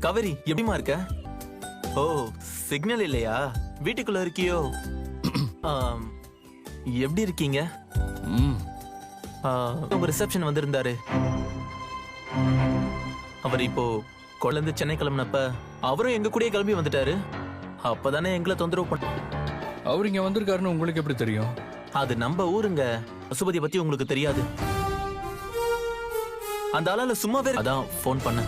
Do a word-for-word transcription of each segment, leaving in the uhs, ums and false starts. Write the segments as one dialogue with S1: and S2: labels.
S1: காவேரி எப்படிமா இருக்க? ஓ, சிக்னல் இல்லையா? வீட்டுக்குள்ள இருக்கியோ? ஆம், எப்படி இருக்கீங்க?
S2: ம்
S1: ஆ, உங்க ரிசப்ஷன் வந்திருந்தாரு. அவர் இப்போ கொள்ளந்து சென்னை கிளம்பினப்ப அவரும் எங்க கூடயே கிளம்பி வந்துட்டாரு. அப்பதானே எங்களை தொந்தரவு பண்ண.
S2: அவர் இங்க வந்திருக்காருன்னு உங்களுக்கு எப்படி தெரியும்?
S1: அது நம்ம ஊருங்க. பசுபதி பத்தி உங்களுக்கு தெரியாது. அந்த ஆளால சும்மாவே அதான் போன் பண்ண.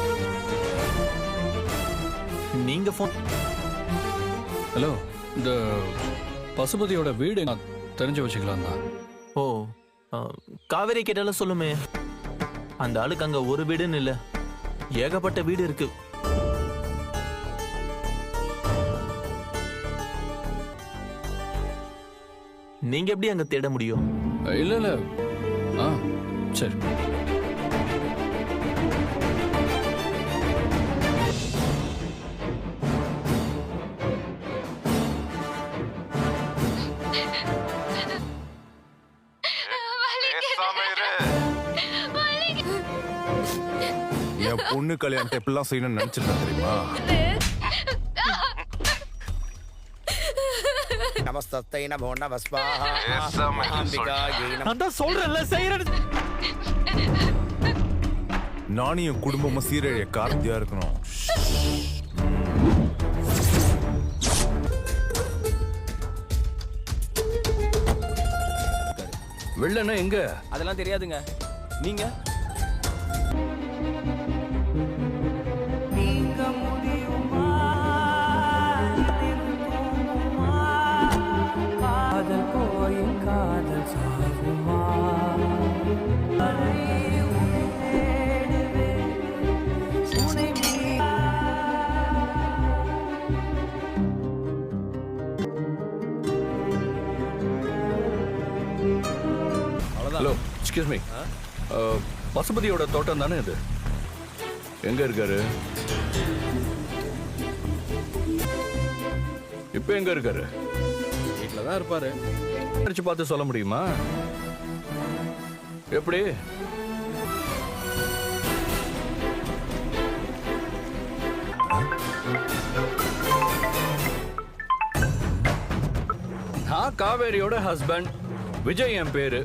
S1: நீங்க போன்.
S2: ஹலோ, இந்த பசுபதியோட வீடு நான் தெரிஞ்சு வச்சுக்கலாம் தான்.
S1: ஓ, ஆ, காவேரி கேட்டாலும் சொல்லுமே. அந்த ஆளுக்கு அங்க ஒரு வீடுன்னு இல்ல, ஏகப்பட்ட வீடு இருக்கு. நீங்க எப்படி அங்க தேட முடியும்?
S2: இல்ல இல்ல ஆ சரி.
S3: என் பொண்ணு கல்யாணத்தை எப்படிலாம் செய்யணும்னு நினைச்சிருந்தேன் தெரியுமா?
S4: நமஸ்தத்தை நமோ நமஸ்வாஹா அம்பிகாயை நம.
S1: நான் தான் சொல்றேன்ல, செய்யறது.
S3: நானும் என் குடும்பமும் சீரழிய கார்த்தியா இருக்கணும்.
S2: வெள்ளனா எங்க?
S5: அதெல்லாம் தெரியாதுங்க. நீங்க
S6: காதல் போய் காதல் சாகுமா?
S2: Hello, excuse me. பசுபதியோட தோட்டம் தானே இது? எங்க இருக்காரு இப்ப? எங்க இருக்காரு?
S5: வீட்டில் தான் இருப்பாரு.
S2: அடிச்சு பார்த்து சொல்ல முடியுமா? எப்படி? நான் காவேரியோட ஹஸ்பண்ட், விஜய் என் பேரு.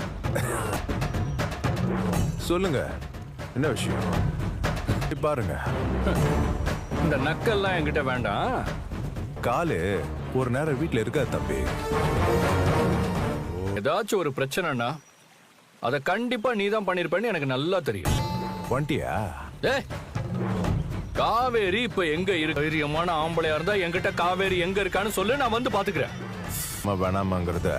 S3: சொல்லுங்க, என்ன விஷயம்? பாருங்க,
S2: இந்த நக்கல்லாம் என்கிட்ட வேண்டாம்.
S3: காலு ஒரு நேரம் வீட்டுல இருக்காது தம்பி.
S2: ஏதாச்சும் ஒரு பிரச்சனைனா அதை கண்டிப்பா நீ தான் பண்ணிருப்பேன்னு எனக்கு நல்லா தெரியும்.
S3: வண்டியா?
S2: ஏய், காவேரி இப்ப எங்க இருக்கு? தைரியமான ஆம்பளையா இருந்தா என்கிட்ட காவேரி எங்க இருக்கான்னு சொல்லு, நான் வந்து பாத்துக்கிறேன்.
S3: வேணாமாங்கிறத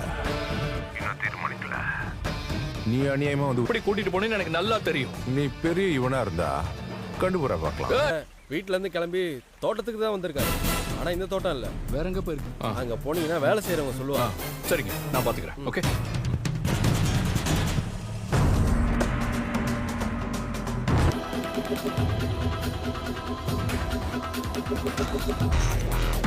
S3: நீ அநியாயமா வந்து
S2: இப்படி கூட்டிட்டு போனேன்னு எனக்கு நல்லா தெரியும்.
S3: நீ பெரிய இவனா இருந்தா கண்டுபுற பார்க்கலாம்.
S5: வீட்டுல இருந்து கிளம்பி தோட்டத்துக்கு தான் வந்திருக்காரு. ஆனா இந்த தோட்டம் இல்ல,
S2: வேற எங்க போயிருக்கு?
S5: அங்க போனீங்கன்னா வேலை செய்யறவங்க சொல்லுவாங்க.
S2: சரிங்க, நான் பாத்துக்கிறேன். ஓகே.